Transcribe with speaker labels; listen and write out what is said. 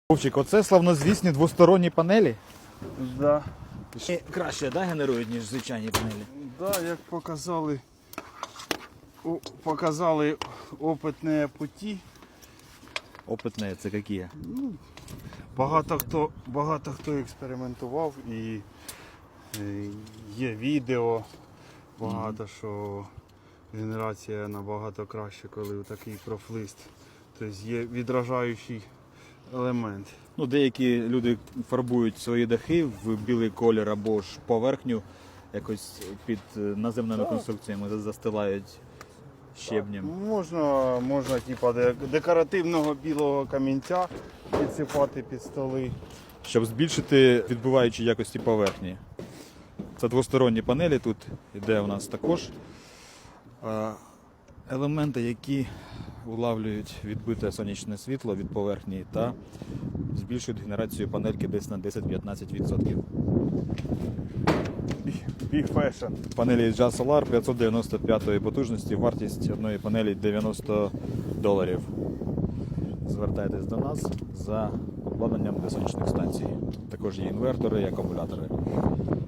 Speaker 1: Вовчик, оце славнозвісні двосторонні панелі?
Speaker 2: Да.
Speaker 1: Краще, да, генерують, ніж звичайні панелі?
Speaker 2: Да, як показали опитні путі.
Speaker 1: Опитні, це які?
Speaker 2: Багато хто експериментував і є відео, багато що генерація набагато краще, коли такий профлист. Тобто є відражаючий елемент.
Speaker 1: Ну, деякі люди фарбують свої дахи в білий колір або ж поверхню якось під наземними конструкціями застилають щебнем.
Speaker 2: Можна типу, декоративного білого камінця підсипати під столи.
Speaker 1: Щоб збільшити відбиваючі якості поверхні. Це двосторонні панелі, тут йде у нас також елементи, які улавлюють відбите сонячне світло від поверхні та збільшують генерацію панельки десь на 10-15%.
Speaker 2: Big Fashion.
Speaker 1: Панелі Jazz Solar 595 потужності, вартість одної панелі $90. Звертайтесь до нас за обладнанням для сонячних станцій. Також є інвертори і акумулятори.